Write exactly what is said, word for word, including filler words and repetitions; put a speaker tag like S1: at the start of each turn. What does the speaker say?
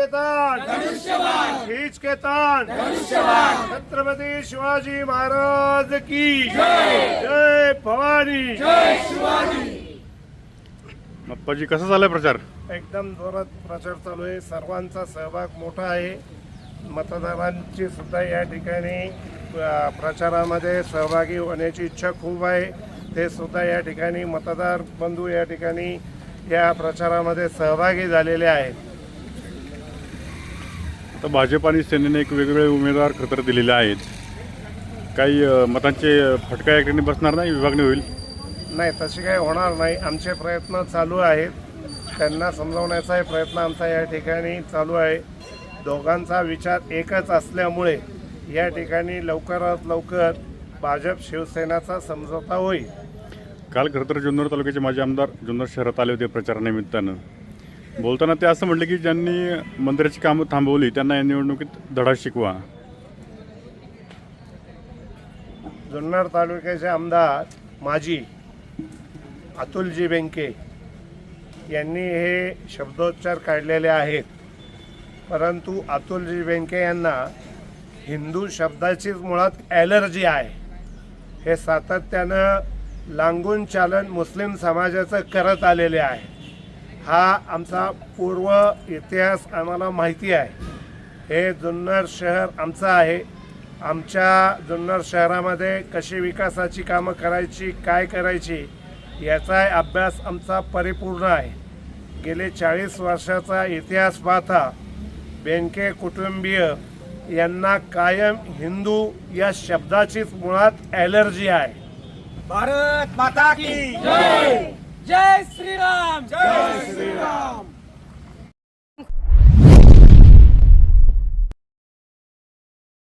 S1: के तान खींच के तान छत्रपती शिवाजी महाराज की जय भवानी।
S2: अप्पाजी कसा चाललाय प्रचार?
S1: एकदम जोरात प्रचार चालू आहे। सर्वांचा सहभाग मोठा आहे। मतदारांची सुद्धा या ठिकाणी अ, प्रचारामध्ये सहभागी होण्याची इच्छा खूप आहे। ते सुद्धा या ठिकाणी मतदार बंधू या ठिकाणी या प्रचारामध्ये सहभागी झालेले आहेत।
S2: तर भाजप आणि सेनेने एक वेगवेगळे उमेदवार खतर दिलेले आहेत। काही अ, मतांचे फटका या ठिकाणी बसणार नाही, विभागणी होईल?
S1: नाही, तशी काही होणार नाही। आमचे प्रयत्न चालू आहेत। त्यांना समजावण्याचा प्रयत्न आमचा या ठिकाणी चालू आहे। दोघांचा विचार एकच असल्यामुळे या ठिकाणी लवकरात लवकर भाजप शिवसेनाचा समझोता होईल।
S2: काल खरं तर जुन्नर तालुक्याचे माजी आमदार जुन्नर शहरात आले होते प्रचारानिमित्तानं। बोलताना ते असं म्हटले की ज्यांनी मंदिराची कामं थांबवली त्यांना या निवडणुकीत धडा शिकवा।
S1: जुन्नर तालुक्याचे आमदार माजी अतुलजी बेनके यांनी हे शब्दोच्चार काढलेले आहेत। परंतु अतुलजी बेनके यांना हिंदू शब्दाचीच मुळात ॲलर्जी आहे। हे सातत्यानं लांगून चालन मुस्लिम समाजाचं करत आलेले आहे। हा आमचा पूर्व इतिहास आम्हाला माहिती आहे। हे जुन्नर शहर आमचं आहे। आमच्या जुन्नर शहरामध्ये कशी विकासाची कामं करायची, काय करायची याचा अभ्यास आमचा परिपूर्ण आहे। गेले चाळीस वर्षाचा इतिहास पाहता बेनके कुटुंबीय यांना कायम हिंदू या शब्दाचीच मुळात ॲलर्जी आहे।
S3: भारत माता की जय, जय श्रीराम,
S1: जय श्रीराम।